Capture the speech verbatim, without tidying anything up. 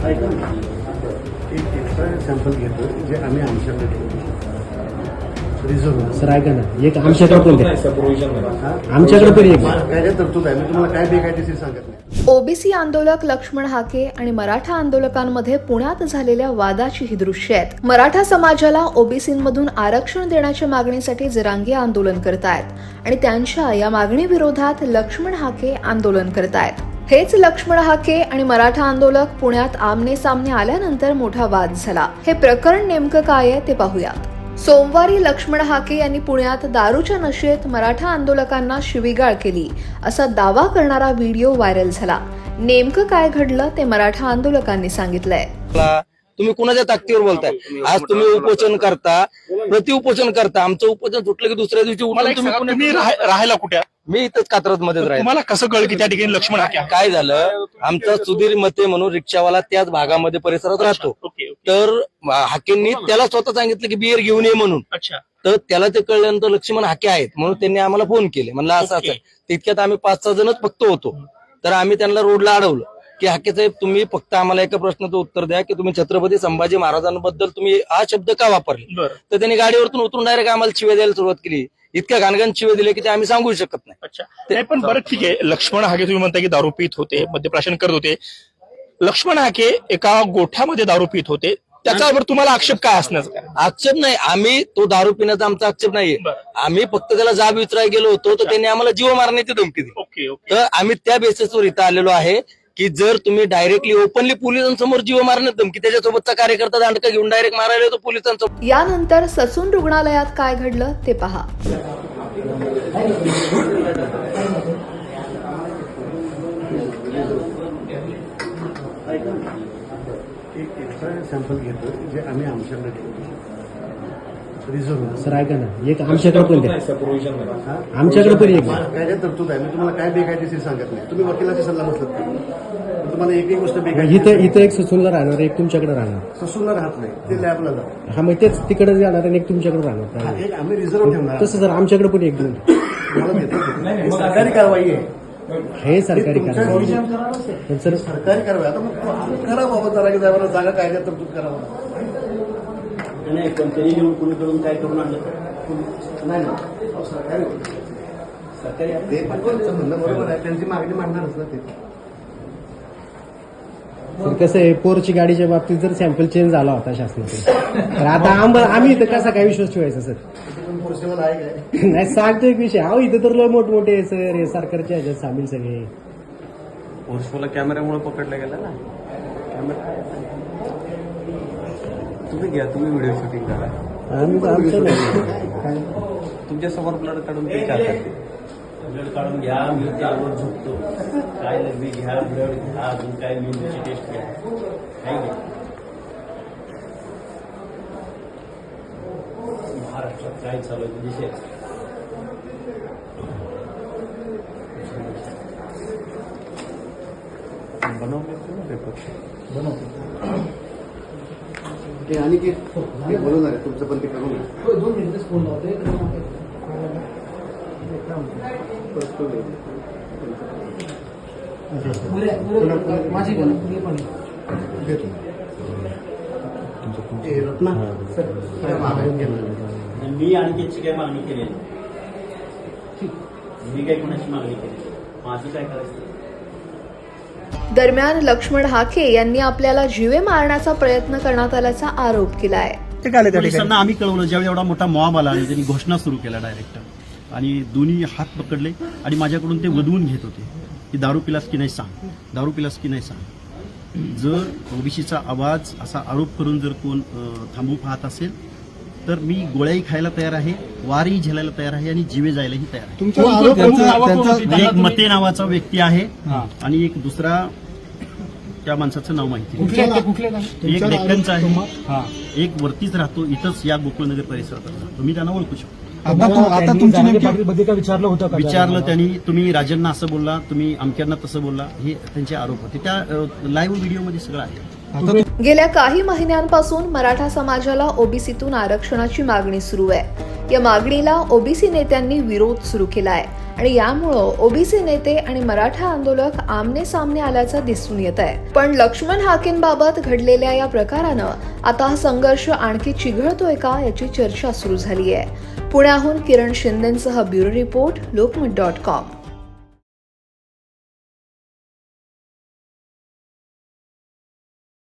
एक extra sample घेतो जे आम्ही आमच्याकडे ठेवतो रिझर्व्ह. सर ऐका ना, एक आमच्याकडे पण द्या. आमच्याकडे पण एक काय काय तरतूद आहे, मी तुम्हाला काय बेकायदेशीर सांगत नाही. ओबीसी आंदोलक लक्ष्मण हाके आणि मराठा आंदोलकांमध्ये पुण्यात झालेल्या वादाची ही दृश्य आहेत. मराठा समाजाला ओबीसीमधून आरक्षण देण्याच्या मागणीसाठी जरांगे आंदोलन करतायत आणि त्यांच्या या मागणी विरोधात लक्ष्मण हाके आंदोलन करतायत. हेच लक्ष्मण हाके आणि मराठा आंदोलक पुण्यात आमने सामने आल्यानंतर मोठा वाद झाला. हे प्रकरण नेमकं काय आहे ते पाहूयात. सोमवारी लक्ष्मण हाके यांनी पुण्यात दारूच्या नशेत मराठा आंदोलकांना शिवीगाळ केली असा दावा करणारा व्हिडिओ व्हायरल झाला. नेमकं काय घडलं ते मराठा आंदोलकांनी सांगितलंय. तुम्ही कुणाच्या ताकदीवर बोलताय? आज तुम्ही उपोषण करता, प्रति उपोषण करता. आमचं उपोषण सुटलं की दुसऱ्या दिवशी उठून तुम्ही तुम्ही राह- राहायला कुठे? मी इथंच कात्रज मध्येच राहील. तुम्हाला कसं कळलं की त्या ठिकाणी लक्ष्मण हाके आहे? काय झालं, आमचा सुधीर मते म्हणून रिक्षावाला त्याच भागामध्ये परिसरात राहतो. Okay, okay. तर हाकेंनी त्याला स्वतः सांगितलं की बियर घेऊन ये म्हणून. अच्छा. तर त्याला ते कळल्यानंतर लक्ष्मण हाके आहेत म्हणून त्यांनी आम्हाला फोन केले. म्हणलं असं असं. तितक्यात आम्ही पाच सहा जणच फक्त होतो. तर आम्ही त्यांना रोडला अडवलं की हाके साहेब, तुम्ही फक्त आम्हाला एका प्रश्नाचं उत्तर द्या की तुम्ही छत्रपती संभाजी महाराजांबद्दल तुम्ही हा शब्द का वापरले. तर त्यांनी गाडीवरतून उतरून डायरेक्ट आम्हाला शिव्या द्यायला सुरुवात केली. इतक्या घाणघाण शिव्या दिले की ते आम्ही सांगू शकत नाही. अच्छा. नाही पण बरं ठीक आहे, लक्ष्मण हाके तुम्ही म्हणता की दारू पित होते, मद्यप्राशन करत होते. लक्ष्मण हाके एका गोठ्यामध्ये दारू पित होते, त्याच्यावर तुम्हाला आक्षेप काय असण्याचा काय? आक्षेप नाही, आम्ही तो दारू पिण्याचा आमचा आक्षेप नाहीये. आम्ही फक्त त्याला जाब विचारायला गेलो होतो तर त्यांनी आम्हाला जीव मारण्याची धमकी दिली. Okay, okay. तर आम्ही त्या बेसिसवर इथं आलेलो आहे की जर तुम्ही डायरेक्टली ओपनली पोलिसांसमोर जीव मारण्यात धमकी, त्याच्यासोबतचा कार्यकर्ता दांडका घेऊन डायरेक्ट मारायला येतो पोलिसांसमोर. यानंतर ससून रुग्णालयात काय घडलं ते पहा. एक एक्स्ट्रा सॅम्पल घेतो जे आम्ही आमच्याकडे ठेवतो रिझर्व्ह. सर ऐका ना, एक आमच्याकडे पण द्या. आमच्याकडे पण एक काय काय तरतूद आहे, मी तुम्हाला काय बेकायदेशीर सांगत नाही. तुम्ही वकिलाची सल्ला मसलत नाही. तुम्हाला एकही गोष्ट बेकायदेशीर इथं इथं एक ससूनला राहणार, एक तुमच्याकडे राहणार. ससूनला राहत नाही, ते लॅबला जातात. हा, मग तेच तिकडे जाणार आणि एक तुमच्याकडे राहणार. हा, एक आम्ही रिझर्व्ह ठेवणार. तसं सर आमच्याकडे पण एक दोन मला देतो. ही सरकारी कारवाई आहे. हे सरकारी तुमच्या कारवाई. विषयात पण सर सरकारी कारवाई. आता मग करा बाबा जरा की जागा जागा कायद्यात तरतूद करावा. नाही कोणत्याही घेऊन कुणी करून काय करून आणलं नाही ना. सरकारी सरकारी ते पण त्यांचं म्हणणं बरोबर आहे, त्यांची मागणी मांडणारच ना ते. सर कसं आहे, पोरची गाडीच्या बाबतीत जर सॅम्पल चेंज झाला होता शासनाचा, तर आता आम्हाला आम्ही इथं कसा काय विश्वास ठेवायचा सर? पॉसिबल आहे काय? नाही सांगतो एक विषय. अहो इथं तर लय मोठमोठे आहे सर, हे सरकारच्या ह्याच्यात सामील सगळे. उर्सफुला कॅमेऱ्यामुळे पकडला गेला ना कॅमेरा. तुम्ही घ्या, तुम्ही व्हिडिओ शूटिंग करा. आम्ही तर आमचं नाही. तुमच्या समोर ब्लड काढून ते चार करते. ब्लड काढून घ्या, मी त्यावर झोपतो. काय लघवी घ्या, ब्लड घ्या, अजून काय मेंदूची टेस्ट घ्या, काय घ्या. महाराष्ट्रात काय चालू आहे विषय? बनवले पेपर बनवतो. ते आणि की हे बोलून आहे तुमचं पण ते करू नये. दोन मिनिटच फोन लावतोय. माझी पण हे रत्ना सर काय मागायला गेलं? मी आणखीची काय मागणी केली नाही. मी काही कोणाची मागणी केली, माझी काय करायचं? दरम्यान लक्ष्मण हाके यांनी आपल्याला जीवे मारण्याचा प्रयत्न करण्यात आल्याचा आरोप केलाय. पोलिसांना आम्ही कळवलं ज्यावेळी एवढा मोठा मॉब आला आणि त्यांनी घोषणा सुरू केला डायरेक्ट, आणि दोन्ही हात पकडले आणि माझ्याकडून ते वदवून घेत होते की दारू पिलास की नाही सांग, दारू पिलास की नाही सांग. जर ओबीसीचा आवाज असा आरोप करून जर कोण थांबू पाहत असेल तर मी गोळ्याही खायला तयार आहे, वारही झेलायला तयार आहे आणि जीवे जायलाही तयार आहे. एक मते नावाचा व्यक्ती आहे आणि एक दुसरा त्या माणसाचं नाव माहिती नाही. एक डेक्कनचा आहे, एक वरतीच राहतो, इथंच या गोकुळनगर परिसरात राहतो. तुम्ही त्यांना ओळखू शकता. आता तुमची विचारलं होतं विचारलं त्यांनी, तुम्ही राजांना असं बोलला, तुम्ही अमक्यांना तसं बोलला, हे त्यांचे आरोप होते. त्या लाईव्ह व्हिडिओमध्ये सगळं आहे. गेल्या काही महिन्यांपासून मराठा समाजाला ओबीसीतून आरक्षणाची मागणी सुरू आहे. या मागणीला ओबीसी नेत्यांनी विरोध सुरू केलाय आणि यामुळं ओबीसी नेते आणि मराठा आंदोलक आमने सामने आल्याचं दिसून येत आहे. पण लक्ष्मण हाकेंबाबत घडलेल्या या प्रकारानं आता हा संघर्ष आणखी चिघळतोय का याची चर्चा सुरू झाली आहे. पुण्याहून किरण शिंदेंसह bureau report, Lokmat dot com.